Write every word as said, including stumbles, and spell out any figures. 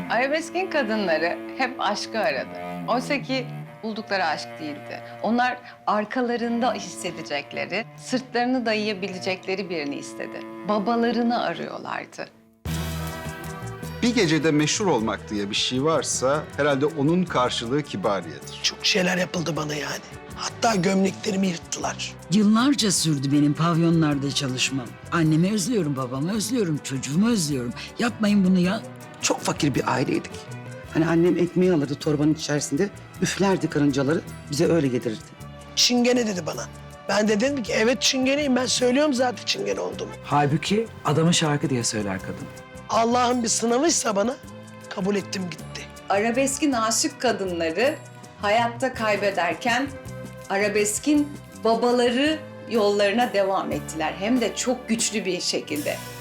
Arabeskin kadınları hep aşkı aradı. Oysa ki buldukları aşk değildi. Onlar arkalarında hissedecekleri, sırtlarını dayayabilecekleri birini istedi. Babalarını arıyorlardı. Bir gecede meşhur olmak diye bir şey varsa herhalde onun karşılığı kibariyedir. Çok şeyler yapıldı bana yani. Hatta gömleklerimi yırttılar. Yıllarca sürdü benim pavyonlarda çalışmam. Annemi özlüyorum, babamı özlüyorum, çocuğumu özlüyorum. Yapmayın bunu ya. Çok fakir bir aileydik. Hani annem ekmeği alırdı torbanın içerisinde, üflerdi karıncaları, bize öyle yedirirdi. Çingene dedi bana. Ben de dedim ki evet çingeneyim, ben söylüyorum zaten çingene olduğumu. Halbuki adamı şarkı diye söyler kadın. Allah'ın bir sınavıysa bana kabul ettim gitti. Arabeskin aşık kadınları hayatta kaybederken arabeskin babaları yollarına devam ettiler. Hem de çok güçlü bir şekilde.